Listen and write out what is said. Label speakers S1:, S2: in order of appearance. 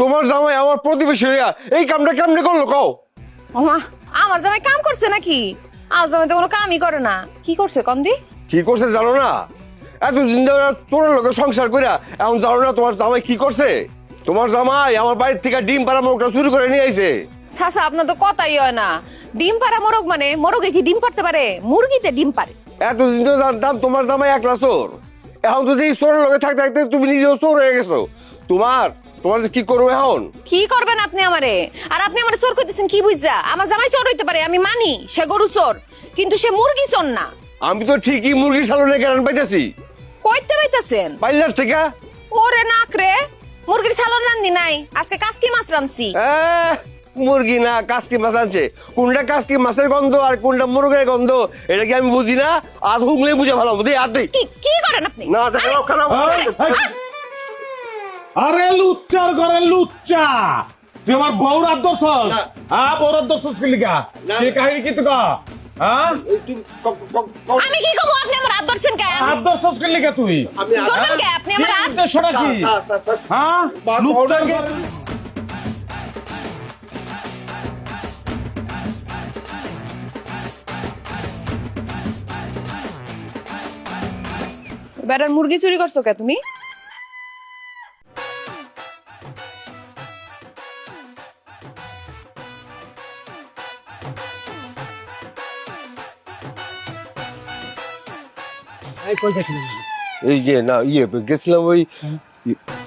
S1: তোমার জামাই আমার প্রতিবেশী হইয়া এই কামটা কেমনে করলো কও?
S2: ওমা, আমার জামাই কাম করছে নাকি? আমার জামাই তো কোনো কামই করে না। কি করছে কন্দি?
S1: কি করছে জানো না? এতদিন ধরে তোর লোকের সংসার কইরা এখন জানো না তোমার জামাই কি করছে? তোমার জামাই আমার বাড়ির থেকে ডিম পাড়া মোরগটা চুরি করে নিয়ে আইছে।
S2: সাসা, আপনার তো কথাই হয় না। ডিম পাড়া মোরগ মানে মোরগে কি ডিম পারতে পারে? মুরগিতে ডিম পারে।
S1: এতদিন তো জানতাম তোমার জামাই একলা চোর, এখন তো এই চোরের লোকে থাকতে থাকতে তুমি নিজেও চোর হয়ে গেছো। তোমার তোমার যে কি করবো এখন?
S2: কি করবেন আপনি আমারে? আর আপনি আমারে চোর কইতেছেন কি বুঝা? আমার জামাই চোর হইতে পারে, আমি মানি সে গরু চোর, কিন্তু সে মুরগি চোর না।
S1: আমি তো ঠিকই মুরগির সালনে কেন পাইতেছি
S2: কইতে পাইতাছেন?
S1: পাইলার থেকে।
S2: ওরে নাক রে, মুরগির সালন রান্ধি নাই, আজকে কাসকি মাছ রান্ধছি।
S1: মুরগি না কাসকি মাছ আনছে। কোনটা কাসকি মাছের গন্ধ আর কোনটা মুরগের গন্ধ এটা কি আমি বুঝি না? আর হুগলে বুঝে ভালো বুঝি আর দেই
S2: কি কি করেন আপনি?
S1: না খারাপ খারাপ।
S3: আরে লুচ্চার ঘরে লুচ্চা, তুই আমার বউর আদর ছস? হ্যাঁ, বউর আদর ছস কি লিগা? কি কাহিনী কি তুই কহ? হ্যাঁ,
S2: আমি কি কব? আপনি আমার হাত ধরছেন কেন?
S3: আদর ছস কি লিগা তুই?
S2: ধরবেন কে? আপনি আমার হাত
S3: উদ্দেশ্যটা কি? হ্যাঁ, লুচ্চার ঘরে
S2: বেটার মুরগি চুরি করছো কে তুমি?
S1: এই যে না গেছিলাম ওই